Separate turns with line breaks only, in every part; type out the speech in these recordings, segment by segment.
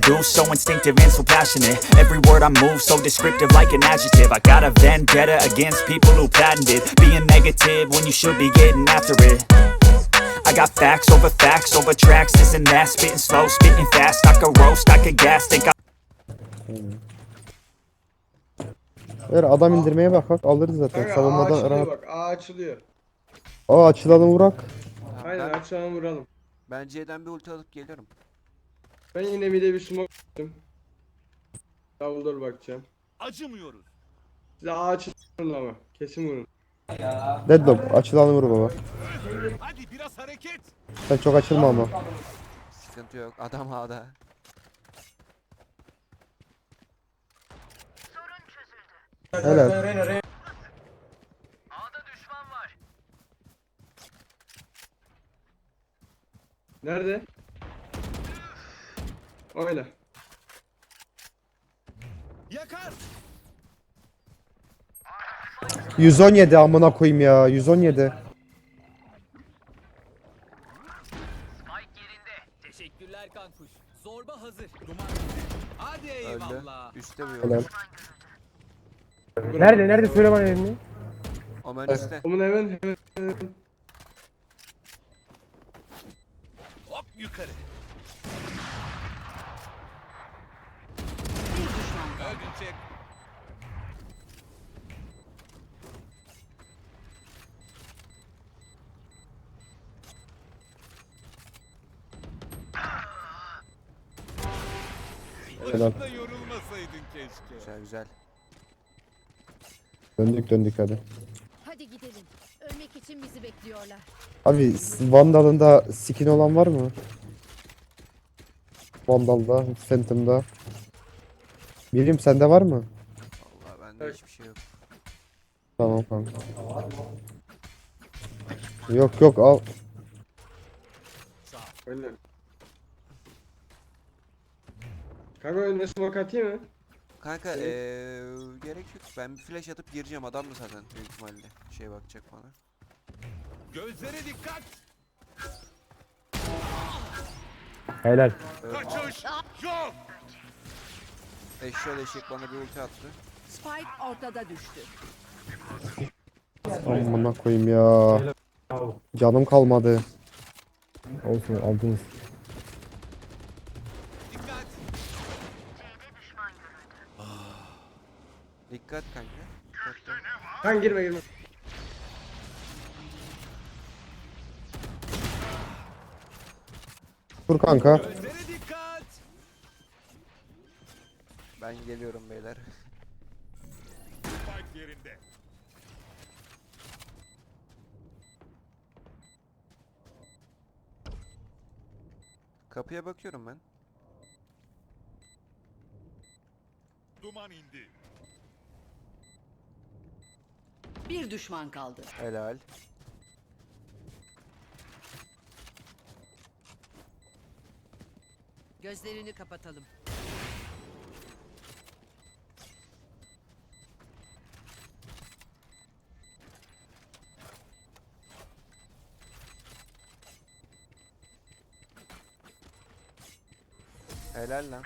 do, so instinctive and so passionate. Every word I move so descriptive like an adjective. I got a vendetta against people who patented being negative when you should be getting after it. I got facts over tracks, this and that. Spitting slow, spitting fast, I could roast, I could gas. Think I
Eğer adam indirmeye bak alırız zaten.
Kanka A
Savunmadan
açılıyor
rahat.
bak. A açılıyor.
Aa açılalım vurak.
Tamam,
Aynen açalım vuralım.
ben C'den bir ulti alıp geliyorum.
Ben yine bir de bir smoke attım. Davuldur bakacağım.
Acımıyoruz.
Size A açılın ama. Kesin vurun.
Deadlock açılalım vur baba.
Hadi biraz hareket.
Sen çok açılma ama.
Sıkıntı yok. Adam A'da.
Helal.
Nerede? Oyna.
Yakar.
117 amına koyayım ya. 117.
Teşekkürler kankuş. Zorba hazır. Hadi
Öldü.
eyvallah.
Üstte bir
Helal.
yol.
Nerede söyle bana yerini.
Omen üstte.
Onun hemen.
Hop yukarı. Öldürecek.
Helal.
Başında yorulmasaydın keşke.
Güzel güzel.
Döndük hadi.
Hadi gidelim. Ölmek için bizi bekliyorlar.
Abi Vandal'ında skin olan var mı? Vandal'da, Phantom'da. Birim sende var mı?
Vallahi bende hiçbir şey yok.
Tamam kanka. Yok al.
Oyna. Kanka önüne smoke atayım mı?
Kanka gerek yok. Ben bir flash atıp gireceğim. Adam da zaten büyük ihtimalle şey bakacak bana.
Gözlere dikkat.
Helal.
Kaçış yok.
Eşşoğlu eşek bana bir ulti attı.
Spike ortada düştü.
Amına koyayım ya. Canım kalmadı.
Olsun aldınız.
Dikkat.
Dikkat kanka. Dikkatli.
Kanka girme.
Dur kanka.
Gözlere dikkat.
Ben geliyorum beyler.
Spike yerinde.
Kapıya bakıyorum ben.
Duman indi.
Bir düşman kaldı.
Helal.
Gözlerini kapatalım.
Helal lan.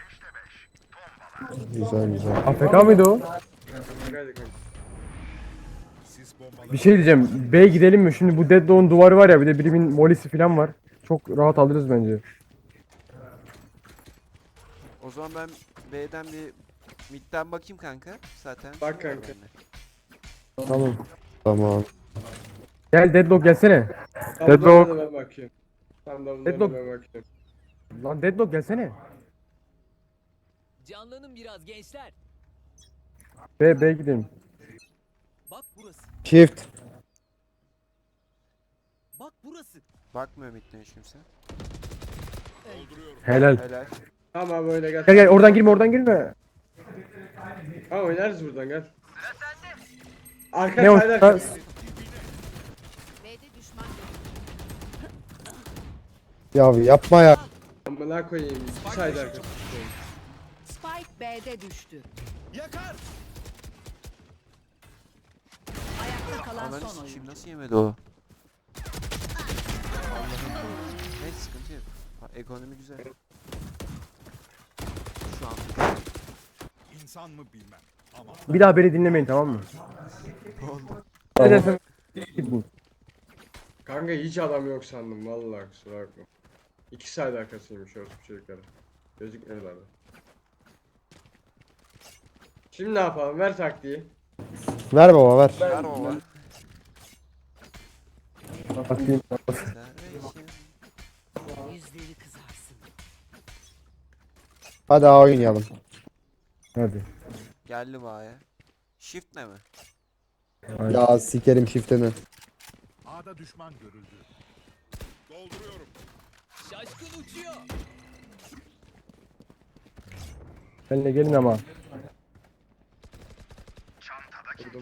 Güzel.
AFK mıydı o?
Hadi kanka.
Sis bombaları.
Bir şey diyeceğim. B gidelim mi? Şimdi bu Deadlock'un duvarı var ya, bir de birimin molisi falan var. Çok rahat alırız bence.
O zaman ben B'den bir midden bakayım kanka. Zaten.
Bak
şey var
kanka.
bende.
Tamam.
Gel Deadlock gelsene.
Tam
Deadlock.
davuluna ben bakıyorum. Tam davuluna
Deadlock.
ben bakıyorum.
Lan Deadlock gelsene.
Canlanın biraz gençler.
B gidelim.
Bak burası.
Shift.
Bak burası.
Bakmıyor midden hiç kimse.
Helal.
Helal.
Tamam böyle gel.
Gel oradan girme.
Ha oynarız buradan gel. Arka
Ne o?
sayda.
Ha,
B'de düşman
Ya yapma ya.
Amına koyayım. Bir sayda arka.
Spike B'de düştü.
Yakar.
Ayakta kalan
Ananı
son
sikeyim
oyuncu.
nasıl yemedi o? Allah'ım. Neyse sıkıntı yok. Ha, ekonomi güzel. an.
İnsan mı bilmem. Ama
Bir daha beni dinlemeyin, tamam mı? Ne dersen gidin.
Kanka hiç adam yok sandım vallahi, kusura bakma. 2 saat arkasıymış orospu çocukları. Gözükmüyorlardı. Şimdi ne yapalım? Ver taktiği.
Ver baba ver.
Ver baba.
Bakayım.
Yüzleri kızarsın.
Hadi A oynayalım.
Hadi.
Geldi baya. Shift ne mi?
Ya sikerim shift'ini.
A'da düşman görüldü. Dolduruyorum.
Şaşkın uçuyor.
Benimle gelin ama.
Vurdum.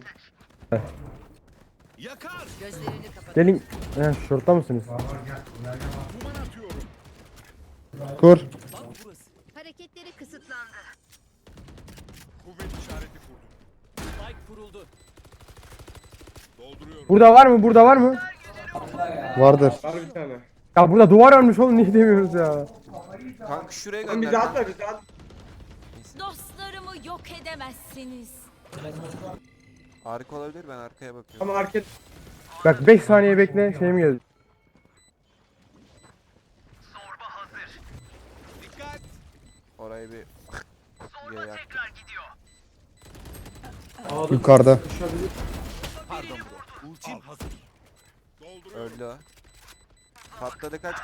Yakar.
Gözlerini kapat.
Gelin. Şortta mısınız?
Duman atıyorum.
Kur.
Bak burası.
Hareketleri kısıtlandı.
Kuvvet işareti kurdum.
Spike kuruldu.
Dolduruyorum.
Burada var mı? Burada var mı?
Vardır.
Var bir tane.
Ya burada duvar ölmüş oğlum, niye demiyoruz ya?
Kanka şuraya
Lan
gönder.
bizi atma, bizi at.
Dostlarımı yok edemezsiniz.
Harika olabilir, ben arkaya bakıyorum.
Ama hareket.
Bak 5 saniye bekle, şeyim geldi.
Dikkat.
Orayı bir diye yaktım.
Yukarıda.
Pardon bro. Ultim hazır. Dolduruyorum.
Öldü o. Patladı, kaç.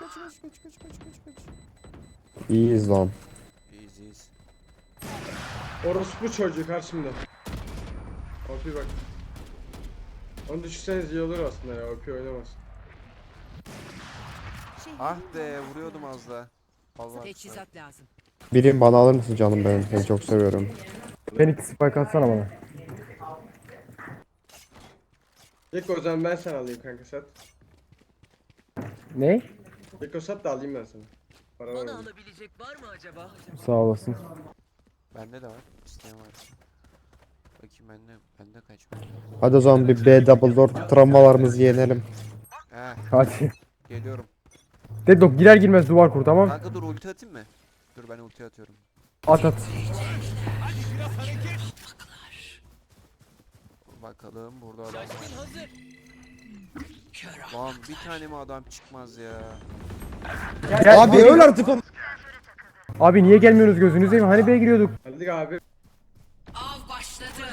İyiyiz lan.
İyiyiz.
Orospu çocuğu karşımda. OP bak. Onu düşünseniz iyi olur aslında ya, OP oynamaz.
Ah be, vuruyordum az da. Allah.
Teçhizat lazım.
Birim bana alır mısın canım benim? Seni çok seviyorum.
Phoenix spike atsana bana.
Gekko o zaman ben sana alayım kanka, sat.
Ne?
Gekko sat da alayım ben sana. Para var
Bana
mı?
alabilecek var mı acaba?
Sağ olasın.
Bende de var. İsteyen var. Bakayım bende kaç var?
Hadi o zaman bir B double door travmalarımızı yenelim.
Heh,
Hadi.
geliyorum.
Deadlock girer girmez duvar kur, tamam.
Kanka dur, ulti atayım mı? Dur, ben ulti atıyorum.
At at.
Bakalım burada adam
Şaşkın
var.
hazır.
Lan bir tane mi adam çıkmaz ya?
Gel,
Abi öl artık onu.
Abi niye gelmiyorsunuz, gözünüzü seveyim, hani B'ye giriyorduk.
Hadi abi.
Av başladı.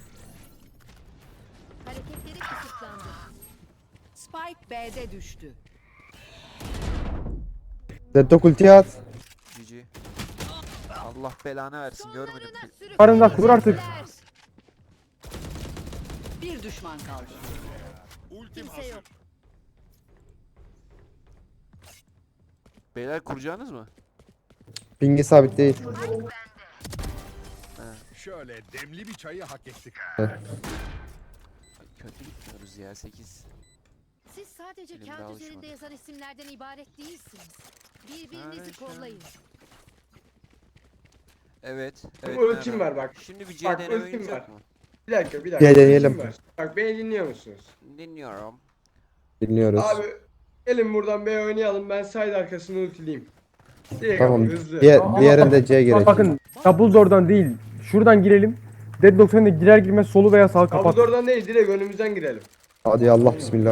Hareketleri kısıtlandı.
Spike B'de düştü.
Deadlock ulti at.
GG. Allah belanı versin, görmedim.
Arında kur artık.
Bir düşman kaldı.
Ultim
Kimse
hazır.
yok.
Beyler, kuracağınız mı?
Pingi sabit değil.
Şöyle demli bir çayı hak ettik.
Ay, kötü gitmiyoruz ya, 8.
Siz sadece
Elimde
kağıt
alışmadı.
üzerinde yazan isimlerden ibaret değilsiniz. Birbirinizi
Aynen.
kollayın.
Evet.
Benim ultim
merhaba.
var bak.
Şimdi bir
Bak,
CDN
ultim
oyuncu
var.
yok mu?
Bir dakika.
Gel deneyelim.
ultim var. Bak beni dinliyor musunuz?
Dinliyorum.
Dinliyoruz.
Abi gelin buradan B oynayalım, ben side arkasını ultileyim. Direkt
Tamam.
ama hızlı.
Diğerinde C gerek.
Bakın double door'dan değil. Şuradan girelim. Deadlock sen de girer girmez solu veya sağı kapat.
Abi oradan değil, direkt önümüzden girelim.
Hadi Allah bismillah.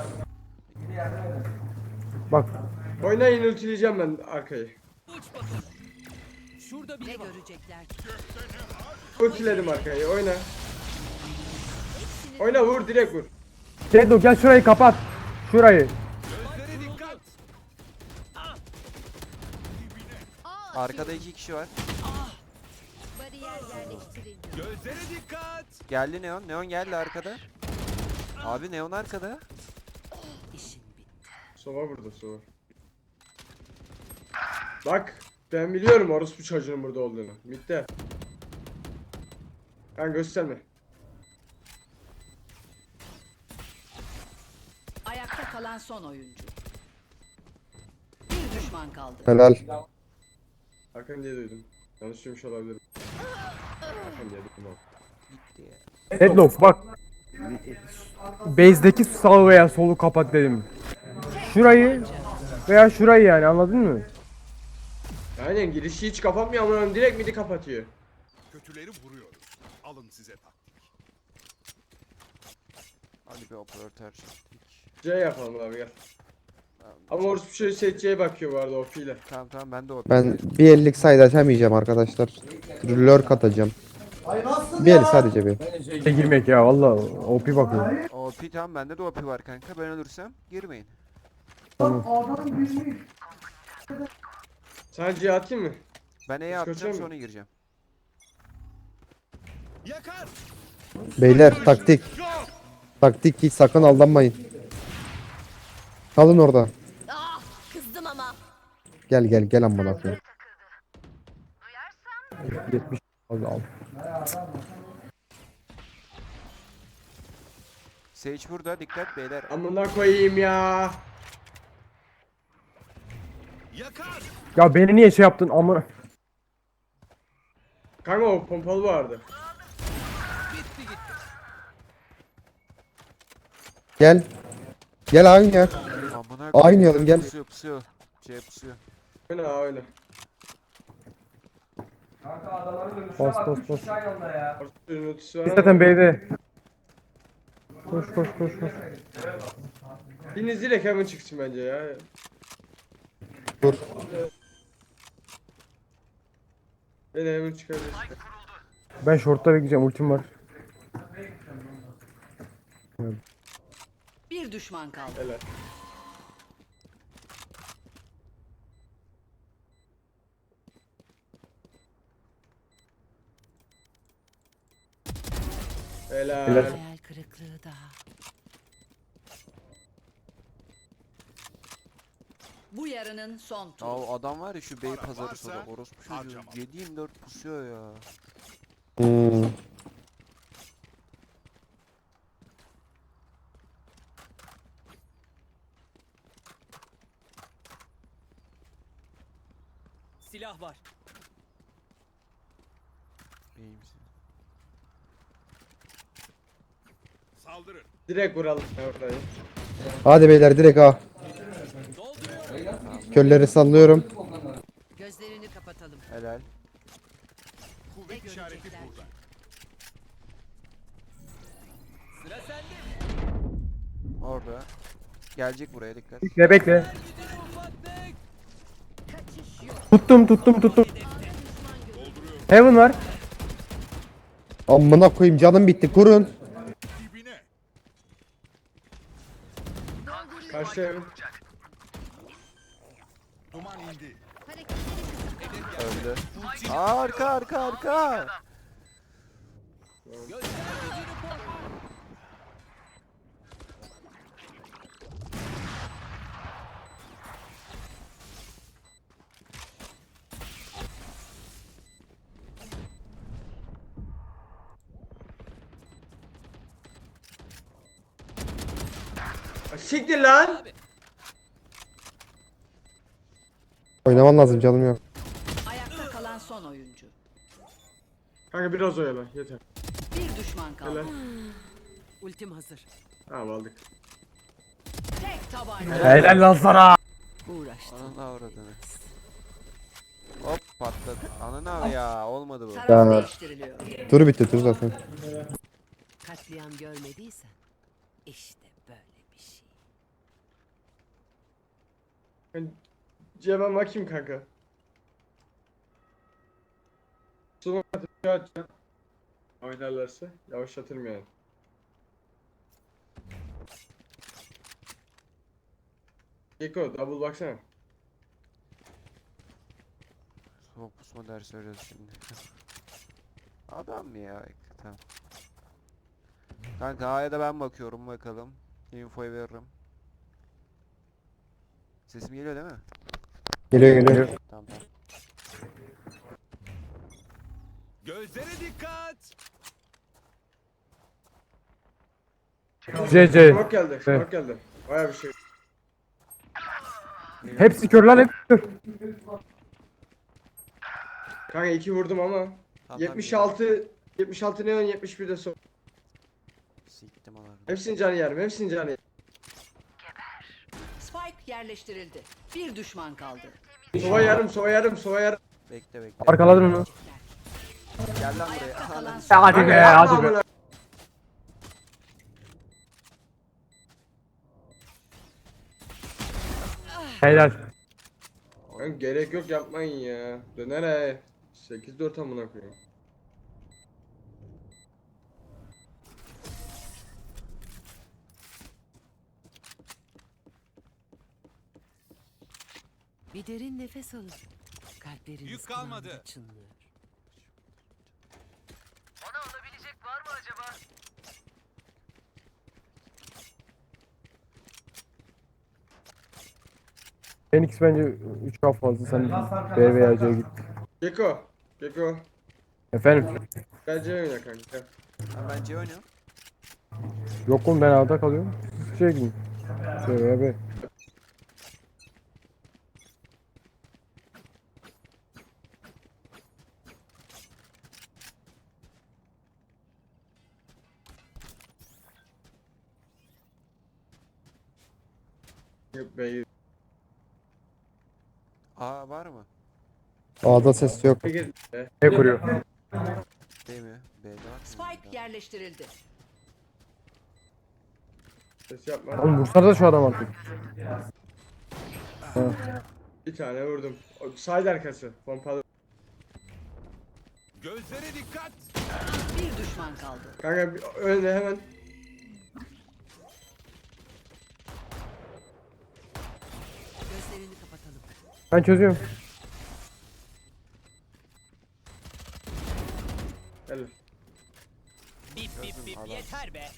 Bak.
Oynayın, ultileyeceğim ben arkayı.
Uç bakalım. Şurada
Ne
biri var.
görecekler ki?
Ultiledim arkayı, oyna. Oyna, vur, direkt vur.
Deadlock gel şurayı kapat. Şurayı.
Gözlere dikkat.
Arkada 2 kişi var.
Bariyer yerleştirildi.
Gözlere dikkat.
Geldi Neon. Neon geldi arkada. Abi Neon arkada.
İşin bitti.
Sova burada, sova. Bak, ben biliyorum orospu çocuğunun burada olduğunu. Bitti. Ben gösterme.
Ayakta kalan son oyuncu. Bir düşman kaldı.
Helal.
Hakan diye duydum. Yanlış duymuş olabilirim. Hakan diye duydum abi.
Gitti ya.
Deadlock bak. Base'deki sağı veya solu kapat dedim. Şurayı veya şurayı, yani anladın mı?
Aynen girişi hiç kapatmıyor ama direkt midi kapatıyor.
Kötüleri vuruyoruz. Alın size taktik.
Hadi bir operatör tercih ettik.
C yapalım abi gel.
Tamam,
Ama orası bir şey seçeceğe bakıyor bu arada OP ile.
tamam ben de OP.
Ben bir ellik side açamayacağım arkadaşlar. Lurk atacağım. Bir el sadece bir.
Girmek ya valla OP bakıyor.
OP tamam bende de OP var kanka. Ben ölürsem girmeyin.
Sana C atayım mı?
Ben E'ye
Kaçıyor
atacağım
mu?
sonra gireceğim.
Yakar.
Beyler taktik. Taktik hiç sakın aldanmayın. Kalın orada.
Ah, kızdım ama.
Gel gel gel amına koyayım.
70 al.
Sage burada dikkat beyler.
Amına koyayım ya.
Yakar.
Ya beni niye şey yaptın amına.
Kanka o pompalı vardı.
Gel. Gel aynı ya.
Amına
Oynayalım, gel.
Pusuyor pusuyor. C pusuyor.
Öyle ha öyle.
Bas bas bas.
Ortada notisi var
Biz
ama.
zaten B'de. Koş koş koş koş.
Biriniz direkt hemen çıksın bence ya.
Dur.
Beni hemen çıkaracağız.
Ben short'ta bekleyeceğim ultim var.
Bir düşman kaldı.
Helal. Helal.
Helal.
Hayal kırıklığı daha. Bu yarının son turu.
Aa adam var ya şu bey pazarı
varsa
soda orospu çocuğu.
harcama.
7/24 pusuyor ya.
Hmm.
Silah var.
İyi misin?
Saldırın.
Direkt vuralım orayı.
Hadi beyler direkt A. Kölleri sallıyorum.
Gözlerini kapatalım.
Helal.
Kuvvet işareti burada.
Sıra sende.
Orada. Gelecek buraya dikkat.
Bekle bekle.
Ufaklık.
Tuttum. Heaven var.
Amına koyayım canım bitti kurun.
Dibine.
Karşı evin.
Duman indi.
Öldü. Aa, arka.
Siktir lan.
Oynaman lazım canım yok.
Ayakta kalan son oyuncu.
Kanka biraz oyala yeter.
Bir düşman kaldı.
Helal.
Ultim hazır.
Tamam aldık.
Tek tabanca.
Helal lan sana.
Uğraştı.
Ananı avradını. Hop patladı. Ananı ya olmadı bu.
Taraf
Ya.
değiştiriliyor.
Turu bitti tur zaten.
Katliam görmediysen işte böyle bir şey.
Ben C'ye bakayım kanka. Sonra atacağım. Oynarlarsa yavaşlatırım yani. Gecko double baksana.
Soğuk pusma dersi veriyoruz şimdi. Adam mı ya? Tamam. Kanka A'ya da ben bakıyorum bakalım. Infoyu veririm. Sesim geliyor değil mi?
Geliyor.
Tamam.
Gözlere dikkat.
CC.
Smoke geldi. Smoke geldi. Baya bir şey.
Hepsi kör lan hep kör.
Kanka 2 vurdum ama.
Tamam,
76 neon 71 de son.
Siktim alarını.
Hepsinin canı yerim. Hepsinin canı yerim.
Spike yerleştirildi. Bir düşman kaldı.
Sova yarım, sova yarım, sova yarım.
Bekle bekle.
Arkaladın onu.
Gel lan buraya. Aha, lan.
Ya hadi
Kanka
be
yapma
hadi be.
amına.
Helal.
Kanka gerek yok yapmayın ya. Döner he. 8-4 amına koyayım.
Bir derin nefes alın. Kalpleriniz
Yük kalmadı.
kulağında çınlıyor.
Phoenix bence 3 kaf fazla, sen B veya C'ye git.
Geko. Geko.
Efendim?
Gel C oyna kanka.
Ben C oynuyorum.
Yok oğlum, ben A'da kalıyorum. Siz C'ye gidin. C veya B.
Yok B'yi.
A var mı?
A'da ses yok.
Gir.
B kuruyor.
Değil mi? B'de var.
Spike yerleştirildi.
Ses yapma.
Oğlum vursana da şu adam artık.
Bir tane vurdum. O side arkası. Pompalı.
Gözlere dikkat.
Bir düşman kaldı.
Kanka önde hemen.
Gözlerini kapatalım.
Ben çözüyorum.
Gel.
Bip bip bip yeter be.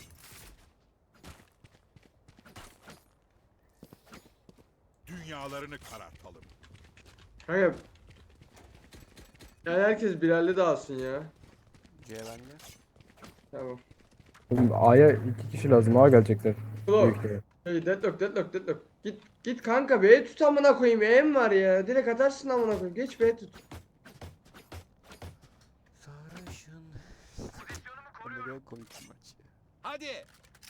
Dünyalarını karartalım.
Kanka. Yani herkes Bilal'le dağılsın ya.
C bende.
Tamam.
Oğlum A'ya 2 kişi lazım. A gelecekler.
Ulan.
Büyük ihtimal.
Hey deadlock. Git kanka B'ye tut amına koyayım. B'm var ya. Direkt atarsın amına koyayım. Geç B'ye tut.
Sarışın. Ne kadar komik bir maç ya.
Hadi.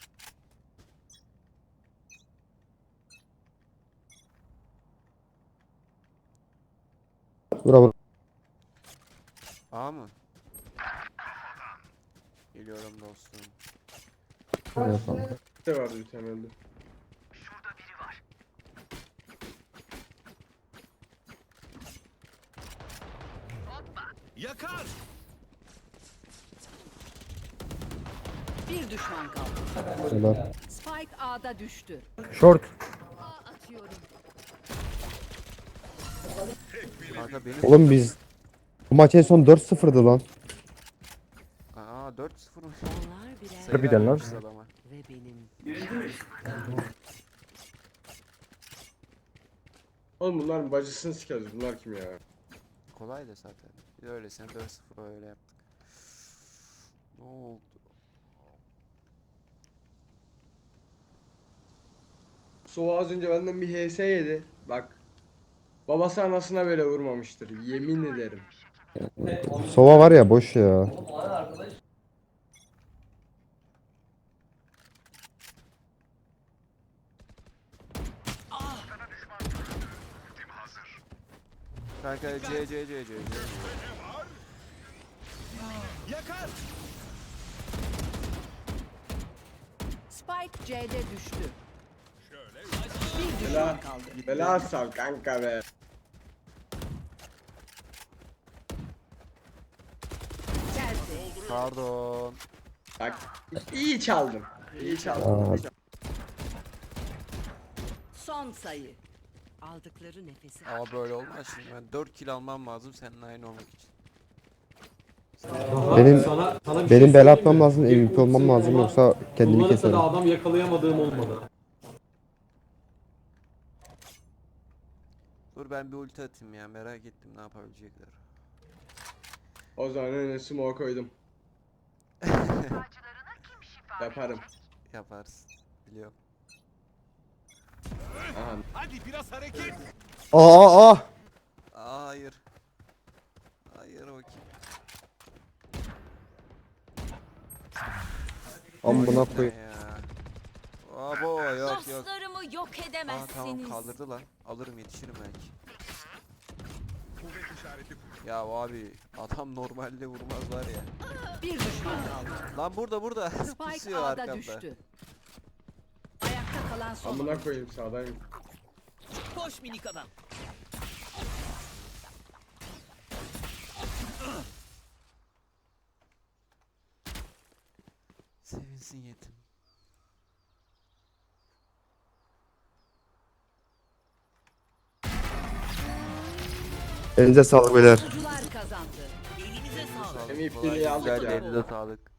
Bravo.
A mı? Geliyorum dostum.
Evet, tamam.
Ne vardı bir tane öldü.
Yakar.
Bir düşman kaldı.
Helal.
Spike A'da düştü.
Short.
A atıyorum.
Kanka benim.
Oğlum biz bu maç en son 4-0'dı lan.
Aa 4-0 mı?
Onlar birer
Harbiden lan.
vermişiz adama.
ve benim.
Oğlum bunların bacısını sikeriz. Bunlar kim ya?
Kolay da zaten. Biz öylesine 4-0 öyle yaptık. Ne oldu?
Sova az önce benden bir HS yedi. Bak. Babası anasına böyle vurmamıştır. Yemin ederim.
Sova var ya boş ya.
Kanka C.
Yakar.
Spike C'de düştü.
Şöyle.
Bir
Bela,
düşman kaldı.
bela sal kanka be.
Geldi.
Pardon.
Bak iyi çaldım. İyi çaldım.
Aa.
Son sayı. Aldıkları nefesi.
Ama böyle olmaz şimdi ben 4 kill almam lazım seninle aynı olmak için.
Benim bela atmam lazım, MVP olmam lazım yoksa kendimi keserim.
Adam yakalayamadığım olmadı.
Dur ben bir ulti atayım ya merak ettim ne yapabilecekler.
O zaman önüne smoke koydum. Yaparım.
Yaparsın. Biliyorum.
Aha.
Hadi biraz hareket.
Aa!
Aa, hayır. Hayır bakayım.
Amına
Ne
koyayım.
ya? Abo yok.
Dostlarımı yok
Aa tamam
edemezsiniz.
kaldırdı lan. Alırım yetişirim belki. Ya abi adam normalde vurmaz var ya.
Bir düşman kaldı.
Lan burada.
Spike
Pusuyor
A'da
arkamda.
düştü. Ayakta kalan son.
Amına koyayım sağdayım.
Koş minik adam.
Sevinsin yetim.
Elinize sağlık beyler.
Oyuncular kazandı.
Elinize sağlık.
Hem ipteliği aldık
Güzel
ya.
elinize sağlık.